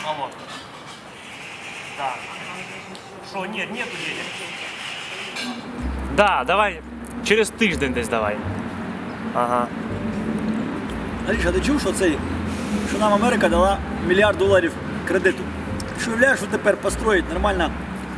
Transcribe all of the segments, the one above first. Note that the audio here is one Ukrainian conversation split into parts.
Алло. Да. Що, ні, нету денег. Да, давай. Через тиждень десь давай. Ага. Аліша, ти чув, що нам Америка дала $1 мільярд кредиту? Ти що уявляєш, що тепер построїть нормально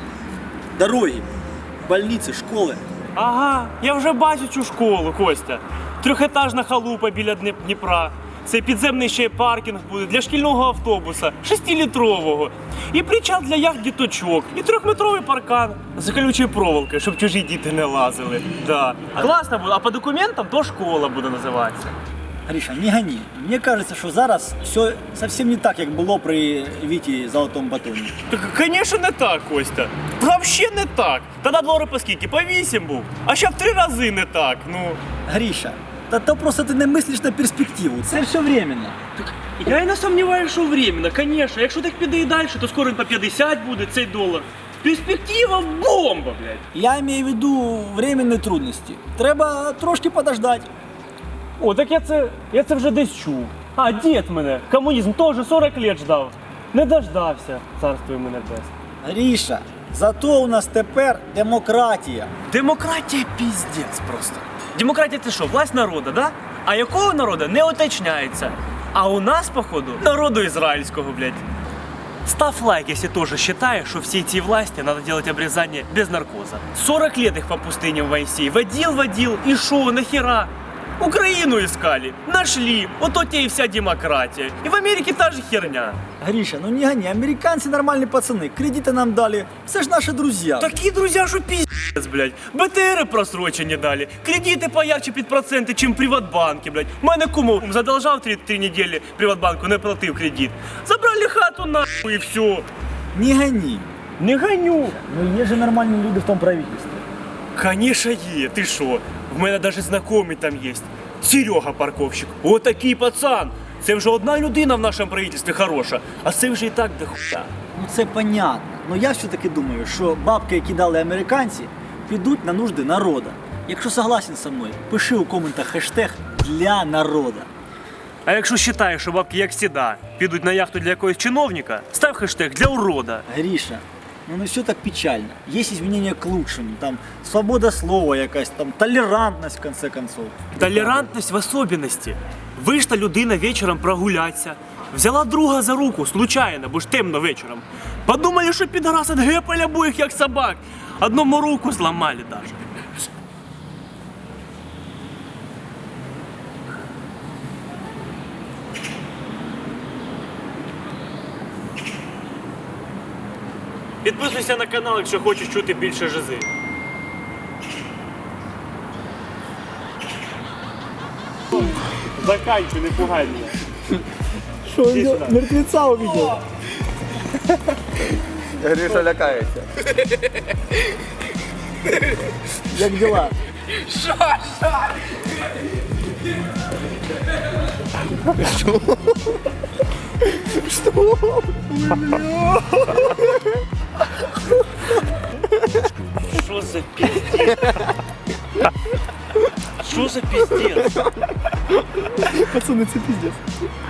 дороги, больниці, школи? Ага, я вже бачу цю школу, Костя. Трьохетажна халупа біля Дніпра. Це підземний ще паркінг буде для шкільного автобуса, 6-літрового. І причал для яхт діточок, і 3-метровий паркан з колючою проволокою, щоб чужі діти не лазили. Да. Класно буде, а по документам то школа буде називатися. Гриша, не гони. Мені кажеться, що зараз все зовсім не так, як було при Віті Золотому батоні. Так, звісно, не так, Костя. Взагалі не так. Тоді долари по скільки? По 8 був. А ще в 3 рази не так. Ну. Гриша, та то просто ти не мислиш на перспективу. Це все временно. Я і не сумніваюся, що временно, звісно. Якщо так піде і далі, то скоро він по 50 буде цей долар. Перспектива бомба, блядь. Я маю в виду временні трудності. Треба трошки подождати. О, так я це вже десь чув. А, дід мене, комунізм теж 40 років ждав. Не дождався, царство йому небесне. Гриша, зато у нас тепер демократія. Демократія піздець просто. Демократія це що, власть народу, да? А якого народу не уточняється. А у нас, походу, народу ізраїльського, блядь. Став лайк, если тоже считаешь, что все эти власти надо делать обрезание без наркоза. 40 лет их по пустыням Моисей водил, и шо, нахера? Украину искали, нашли, вот то тебе и вся демократия. И в Америке та же херня. Гриша, ну не гони, американцы нормальные пацаны, кредиты нам дали, все ж наши друзья. Такие друзья, что пиздец, блядь. БТРы просрочені дали, кредиты поярче під проценти, чим в Приватбанке, блядь. Мене кумов задолжав 3 недели Приватбанку, не платив кредит. Забрали хату нахуй и все. Не гони. Не гоню. Ну є же нормальні люди в тому правительстві. Конечно є, ти що? В мене навіть знайомий там є. Серега парковщик. Отакий пацан. Це вже одна людина в нашому правительстві хороша, а це вже і так до хуя. Ну це понятно. Но я все-таки думаю, що бабки, які дали американці, підуть на нужди народу. Якщо согласен со мною, пиши у коментах хештег «Для народа». А якщо вважаєш, що бабки, як завжди, підуть на яхту для якогось чиновника, став хештег «Для урода». Гриша, ну не все так печально. Є змінення к лучшему. Там свобода слова якась, там толерантність в конце концов. Толерантність в особенності. Вийшла людина вечором прогулятися, взяла друга за руку, случайно, бо ж темно вечором. Подумали, що підраз отгепали обоїх, як собак. Одному руку зламали даже. Підписуйся на канал, якщо хочеш чути більше жизи. Заканчуй, не пугай мене. Що, мертвеця увидел? Гриша лякається. Як дела? Що за пиздец? Що за пиздец? Пацаны, це пиздец.